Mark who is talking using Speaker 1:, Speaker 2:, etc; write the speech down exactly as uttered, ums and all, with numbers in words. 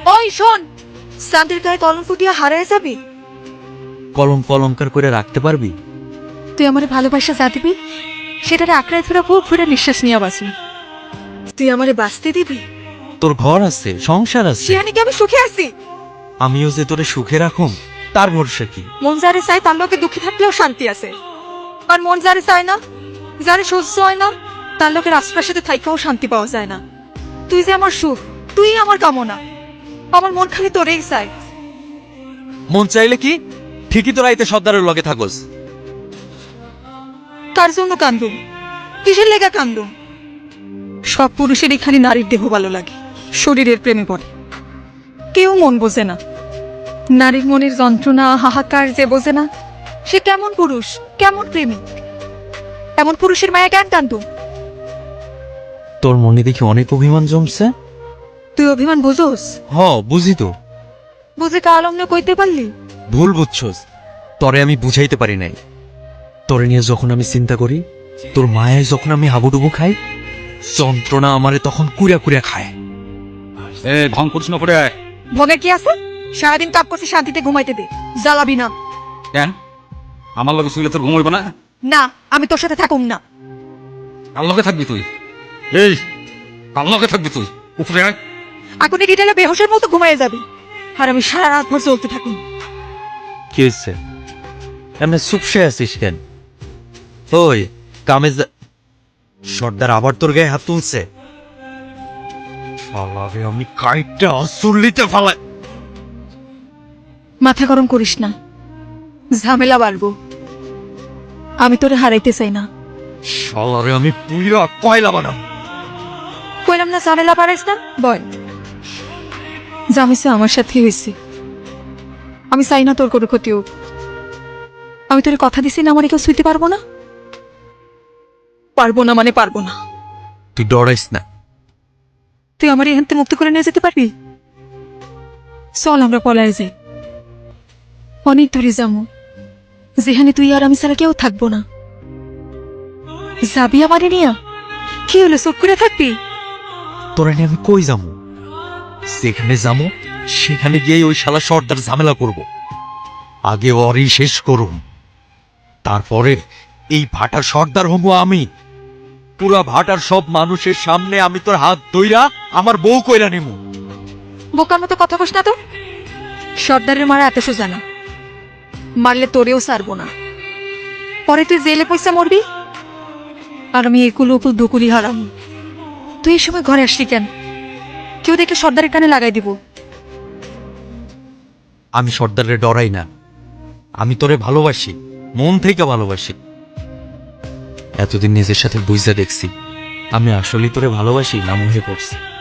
Speaker 1: ওই শোন, শান্তির গায়ে কলম ফুটিয়ে হারায় যাবি?
Speaker 2: কলম কলঙ্কার করে রাখতে পারবি?
Speaker 1: তুই আমার ভালোবাসা যা দিবি সেটারে আঁকড়ায় ধরে বুক ফুটে নিঃশ্বাস নিয়ে বাঁচবি। তুই আমারে বাঁচতে দিবি?
Speaker 2: তোর ঘর আছে, সংসার আছে,
Speaker 1: সেখানে কি আমি সুখে আছি?
Speaker 2: আমিও যে তোরে সুখে রাখুম তার ভরসা কি?
Speaker 1: মন যারে চায় তার লোকে দুঃখে থাকলেও শান্তি আছে, আর মন যারে চায় না, যারে সহ্য হয় না, তার লোকের আশপাশে থাইকাও শান্তি পাওয়া যায় না। তুই যে আমার সুখ, তুই আমার কামনা, আমার মন খালি তোরেই চায়।
Speaker 2: মন চাইলে কি ঠিকই তোর আইতে সর্দারের লগে থাকস।
Speaker 1: তার জন্য কান্দুম? কিসের লেগা কান্দুম? সব পুরুষেরই খালি নারীর দেহ ভালো লাগে, শরীরের প্রেমে পড়ে। কেউ মন বোঝে না, নারীর মনের যন্ত্রণা হাহাকার যে বোঝে না, সে কেমন পুরুষ, কেমন প্রেমিক? এমন পুরুষের মায়া কেন কান্দুম?
Speaker 2: তোর মনে দেখি অনেক অভিমান জমছে।
Speaker 1: তুই অভিমান বুঝোস?
Speaker 2: হ বুঝি তো।
Speaker 1: বুঝে কাল অমনে কইতে পারলি?
Speaker 2: ভুল বুঝছস, তরে আমি বুঝাইতে পারি নাই। তোরে নিয়ে যখন আমি চিন্তা করি, তোর মায়ায় যখন আমি হাবুডুবু খাই, যন্ত্রণা আমারে তখন কুড়া কুড়া খায়।
Speaker 3: এ ঢং করছ না পড়ে আয়।
Speaker 1: ভোগের কি আছে? সারাদিন কাপ করছি, শান্তিতে ঘুমাইতে দে, জ্বালাবি না।
Speaker 3: কেন আমার লগে শুইলে তোর ঘুম হইব না?
Speaker 1: না, আমি তোর সাথে থাকুম না।
Speaker 3: কার লগে থাকবি তুই? এই কার লগে থাকবি তুই? উপরে আয়।
Speaker 1: আগুনে ডিটেলে বেহোশের মতো ঘুমাইয়ে যাবি, আর আমি সারা রাত ভর চলতে থাকুন।
Speaker 2: কি হয়েছে? এমনি চুপসে আছিস কেন? ওই কামে যা- সর্দার আবার তোর গায়ে হাত তুলছে। শালারে আমি কাইটটা অসুল্লিতে ফালাই।
Speaker 1: মাথা গরম করিস না, ঝামেলা বাড়বো। আমি তোরে হারাইতে চাই না।
Speaker 2: শালারে আমি পুইরা কয়লা বানাম।
Speaker 1: কইলাম না ঝামেলা বাড়াইস না? বল, যা হয়েছে আমার সাথে হয়েছে। আমি চাই না তোর কোনো ক্ষতি হোক। আমি তোরে কথা দিছি না আমার কেউ শুইতে পারবো না। পারবো না মানে পারবো না।
Speaker 2: তুই ডরাইস না।
Speaker 1: তুই আমার এখান থেকে মুক্ত করে নিয়ে যেতে পারবি? চল আমরা পলায় যাই, অনেক দূরে যাবো, যেখানে তুই আর আমি ছাড়া কেউ থাকবো না। যাবি আমারে নিয়া? কি হলো, চুপ করে থাকবি?
Speaker 2: তোরা নিয়ে আমি কই যাবো? যেখানে যাবো সেখানে গিয়ে ওই শালা সর্দার ঝামেলা করব। আগে ওরই শেষ করুম, তারপরে এই ভাটার সর্দার হবো আমি। পুরা ভাটার সব মানুষের সামনে আমি তোর হাত ধইরা আমার বউ কইরা নেবো।
Speaker 1: বোকার মতো কথা কস না তো। সর্দারের মারা এত সোজা না, মারলে তোরেও সারবো না। পরে তুই জেলে পয়সা মরবি, আর আমি একুল উকুল দুকুলি হারাম। তুই এই সময় ঘরে আসলি কেন? কেউ দেখলে সর্দারের কানে লাগাই দিব।
Speaker 2: আমি সর্দারে ডরাই না, আমি তোরে ভালোবাসি, মন থেকে ভালোবাসি। এতদিন নিজের সাথে বুঝতে দেখছি আমি আসলে তোরে ভালোবাসি না মুহে পড়ছি।